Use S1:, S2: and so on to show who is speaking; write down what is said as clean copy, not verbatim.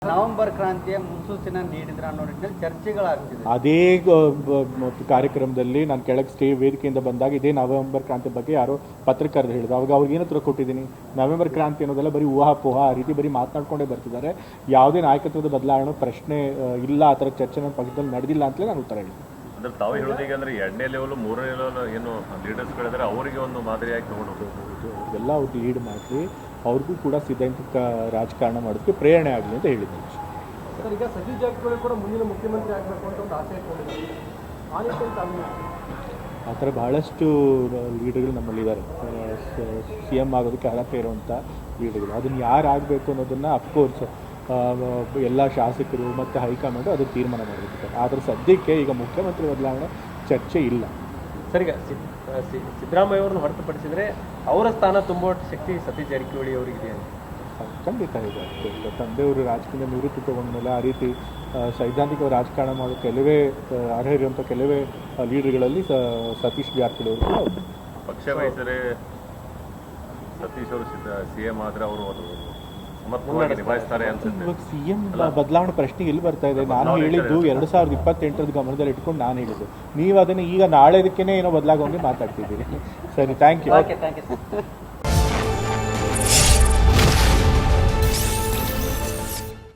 S1: November ಕ್ರಾಂತಿಯ ಮುನ್ಸೂಚನೆ ನೀಡಿದ್ರ ಅನ್ನೋ ನಿಟ್ಟಿನಲ್ಲಿ ಚರ್ಚೆಗಳಾಗ್ತಿದೆ.
S2: ಅದೇ ಕಾರ್ಯಕ್ರಮದಲ್ಲಿ ನಾನು ಕೆಳಗೆ ವೇದಿಕೆಯಿಂದ ಬಂದಾಗ ಇದೇ ನವೆಂಬರ್ ಕ್ರಾಂತಿ ಬಗ್ಗೆ ಯಾರೋ ಪತ್ರಕರ್ತರು ಹೇಳಿದ್ರು. ಅವಾಗ ಅವ್ರಿಗೆ ಏನು ಉತ್ತರ ಕೊಟ್ಟಿದ್ದೀನಿ, ನವೆಂಬರ್ ಕ್ರಾಂತಿ ಅನ್ನೋದೆಲ್ಲ ಬರೀ ಊಹಾಪೋಹ ಆ ರೀತಿ ಬರೀ ಮಾತನಾಡ್ಕೊಂಡೇ ಬರ್ತಿದ್ದಾರೆ. ಯಾವುದೇ ನಾಯಕತ್ವದ ಬದಲಾವಣೆ ಪ್ರಶ್ನೆ ಇಲ್ಲ, ಆ ಥರ ಚರ್ಚೆ ನನ್ನ ಪಕ್ಷದಲ್ಲಿ ನಡೆದಿಲ್ಲ ಅಂತಲೇ ನಾನು ಉತ್ತರ ಹೇಳಿದ್ದೀನಿ.
S3: ಅಂದ್ರೆ ತಾವು ಹೇಳೋದೀಗ ಅಂದರೆ 2ನೇ ಲೆವೆಲ್ 3ನೇ ಲೆವೆಲ್ ಏನು ಲೀಡರ್ಸ್ಗಳಿದ್ದಾರೆ ಅವರಿಗೆ ಒಂದು ಮಾದರಿಯಾಗಿ ತಗೊಂಡು
S2: ಎಲ್ಲ ಅವ್ರು ಲೀಡ್ ಮಾಡಿ ಅವ್ರಿಗೂ ಕೂಡ ಸೈದ್ಧಾಂತಿಕ ರಾಜಕಾರಣ ಮಾಡೋದಕ್ಕೆ ಪ್ರೇರಣೆ ಆಗಲಿ ಅಂತ ಹೇಳಿದ್ದೀನಿ.
S4: ಸರ್, ಈಗ ಸತೀಶ್ ಜಾರಕಿಹೊಳಿ ಕೂಡ ಮುಂದಿನ ಮುಖ್ಯಮಂತ್ರಿ ಆಗಬೇಕು ಅಂತ ಒಂದು ಆಸೆ ಇಟ್ಕೊಂಡಿದ್ದಾರೆ.
S2: ಆ ಥರ ಬಹಳಷ್ಟು ಲೀಡರ್ಗಳು ನಮ್ಮಲ್ಲಿದ್ದಾರೆ, CM ಆಗೋದಕ್ಕೆ ಅರ್ಹತೆ ಇರುವಂಥ ಲೀಡರ್ಗಳು. ಅದನ್ನು ಯಾರು ಆಗಬೇಕು ಅನ್ನೋದನ್ನು ಅಫ್ಕೋರ್ಸ್ ಎಲ್ಲ ಶಾಸಕರು ಮತ್ತು ಹೈಕಮಾಂಡು ಅದು ತೀರ್ಮಾನ ಮಾಡಬೇಕು. ಆದರೆ ಸದ್ಯಕ್ಕೆ ಈಗ ಮುಖ್ಯಮಂತ್ರಿ ಬದಲಾವಣೆ ಚರ್ಚೆ ಇಲ್ಲ.
S4: ಸರ್, ಈಗ ಸಿದ್ದರಾಮಯ್ಯ ಅವ್ರನ್ನ ಹೊರತುಪಡಿಸಿದರೆ ಅವರ ಸ್ಥಾನ ತುಂಬುವ ಶಕ್ತಿ ಸತೀಶ್ ಜಾರಕಿಹೊಳಿ ಅವರಿಗಿದೆ ಅಂತ
S2: ಖಂಡಿತ ಇದೆ. ತಂದೆಯವರು ರಾಜಕೀಯ ನಿವೃತ್ತಿ ತಗೊಂಡ್ಮೇಲೆ ಆ ರೀತಿ ಸೈದ್ಧಾಂತಿಕ ರಾಜಕಾರಣ ಮಾಡೋ ಕೆಲವೇ ಅರ್ಹ ಇರುವಂಥ ಕೆಲವೇ ಲೀಡರ್ಗಳಲ್ಲಿ ಸತೀಶ್ ಜಾರಕಿಹೊಳಿ ಅವರು ಕೂಡ
S3: ಪಕ್ಷ ವಹಿಸರೆ ಸತೀಶ್ ಅವರು CM ಆದರೆ ಅವರು ಅದು ಸಮರ್ಥವಾಗಿ ನಿಭಾಯಿಸ್ತಾರೆ ಅನ್ಸುತ್ತೆ.
S2: ಇವಾಗ CM ಬದಲಾವಣೆ ಪ್ರಶ್ನೆ ಎಲ್ಲಿ ಬರ್ತಾ ಇದೆ? ನಾನು ಹೇಳಿದ್ದು 2028 ಗಮನದಲ್ಲಿ ಇಟ್ಕೊಂಡು ನಾನು ಹೇಳಿದ್ದು. ನೀವು ಅದನ್ನು ಈಗ ನಾಳೆದಕ್ಕೇ ಏನೋ ಬದಲಾಗೋಂಗೆ ಮಾತಾಡ್ತಿದ್ದೀರಿ. ಸರಿ, thank you.
S1: Okay, thank you sir.